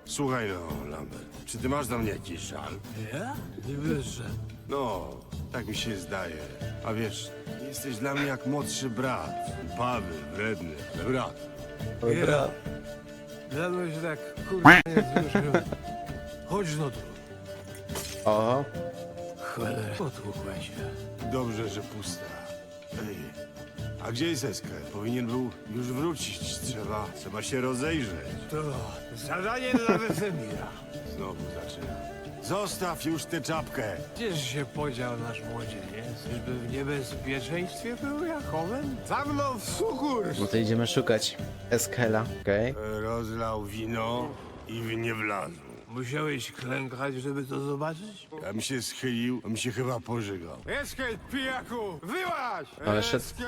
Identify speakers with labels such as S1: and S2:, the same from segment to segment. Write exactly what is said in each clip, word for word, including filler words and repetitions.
S1: Słuchaj no, Lambert, czy ty masz do mnie jakiś żal?
S2: Ja? Nie wierzę.
S1: No, tak mi się zdaje. A wiesz, jesteś dla mnie jak młodszy brat. Upawy, wredny, ale brat.
S2: Ja. Dawno się tak kurwa nie wzruszyłem. Chodź no tu.
S3: Oho.
S2: Cholera. Potłukła się.
S1: Dobrze, że pusta. Ej, a gdzie jest Eskel? Powinien był już wrócić. Trzeba, trzeba się rozejrzeć.
S2: To zadanie dla Wesemira.
S1: Znowu zaczyna. Zostaw już tę czapkę.
S2: Gdzież się podział nasz młodzieniec? Czyżby w niebezpieczeństwie był Jachowem? Za mną w sukurs!
S3: No to idziemy szukać Eskela, okej?
S1: Rozlał wino i w nie wlazł.
S2: Musiałeś klękać, żeby to zobaczyć?
S1: Ja mi się schylił, a mi się chyba pożygał.
S2: Eskel, pijaku! Wyłaź!
S3: Ale szedł.
S2: Eskel!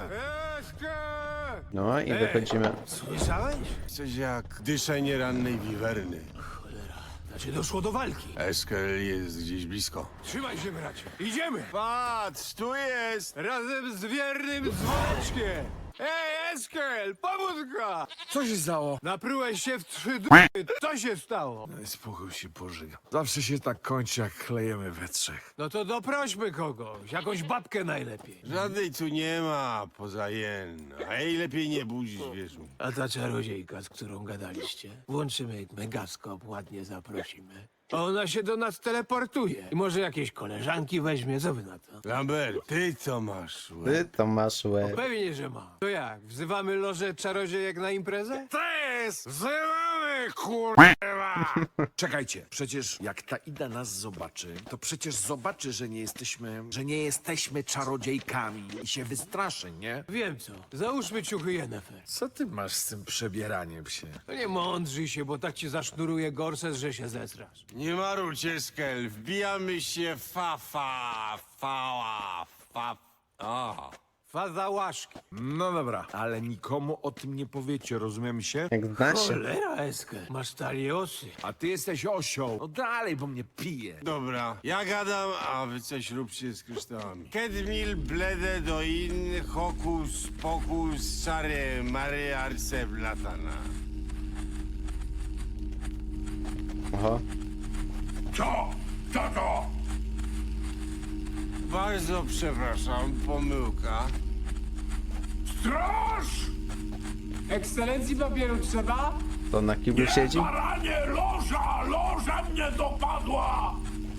S2: Eskel!
S3: No i
S2: Ej.
S3: wychodzimy.
S2: Słyszałeś?
S1: Coś jak dyszenie rannej wiwerny.
S2: Cholera. Znaczy doszło do walki.
S1: Eskel jest gdzieś blisko.
S2: Trzymaj się, bracie. Idziemy!
S1: Patrz, tu jest!
S2: Razem z wiernym dzwoneczkiem! Ej, Eskel, pomóżka! Co się stało? Naprułeś się w trzy d... Co się stało?
S4: Spokój się pożyga. Zawsze się tak kończy, jak klejemy we trzech.
S2: No to doprośmy kogoś, jakąś babkę najlepiej.
S1: Żadnej tu nie ma, poza jen. A jej lepiej nie budzić, wiesz mi.
S2: A ta czarodziejka, z którą gadaliście? Włączymy megaskop, ładnie zaprosimy. A ona się do nas teleportuje. I może jakieś koleżanki weźmie, co wy na to?
S1: Lambert, ty co masz? łeb?
S3: Ty to masz łeb.
S2: Pewnie, że ma. To jak, wzywamy lożę czarodziejek na imprezę?
S4: Tres! Wzywamy, kurwa! Czekajcie, przecież jak ta Ida nas zobaczy, to przecież zobaczy, że nie jesteśmy, że nie jesteśmy czarodziejkami i się wystraszy, nie?
S2: Wiem co, załóżmy ciuchy Yennefer.
S4: Co ty masz z tym przebieraniem się?
S2: No nie mądrzyj się, bo tak ci zasznuruje gorset, że się zesrasz.
S1: Nie marudź, Eskel. Wbijamy się fa, fa, fała, fa... A.
S2: Faza łaszki.
S4: No dobra, ale nikomu o tym nie powiecie, rozumiem się?
S3: Jak zna się.
S2: Cholera, Eskel. Masz taliosy.
S4: A ty jesteś osioł. No dalej, bo mnie pije.
S1: Dobra, ja gadam, a wy coś róbcie z kryształami. Kedmil, blede do in, hokus, pokus, czary, mary, arce, blatana.
S3: Oho.
S1: Co? Co to? Bardzo przepraszam, pomyłka.
S5: Straż! Ekscelencji papieru trzeba?
S3: To na kiblu siedzi?
S5: Baranie, loża! Loża mnie dopadła!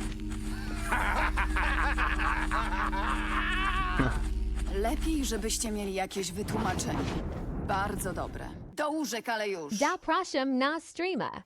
S6: Lepiej, żebyście mieli jakieś wytłumaczenie. Bardzo dobre. Do łóżek, ale już.
S7: Zapraszam na streama.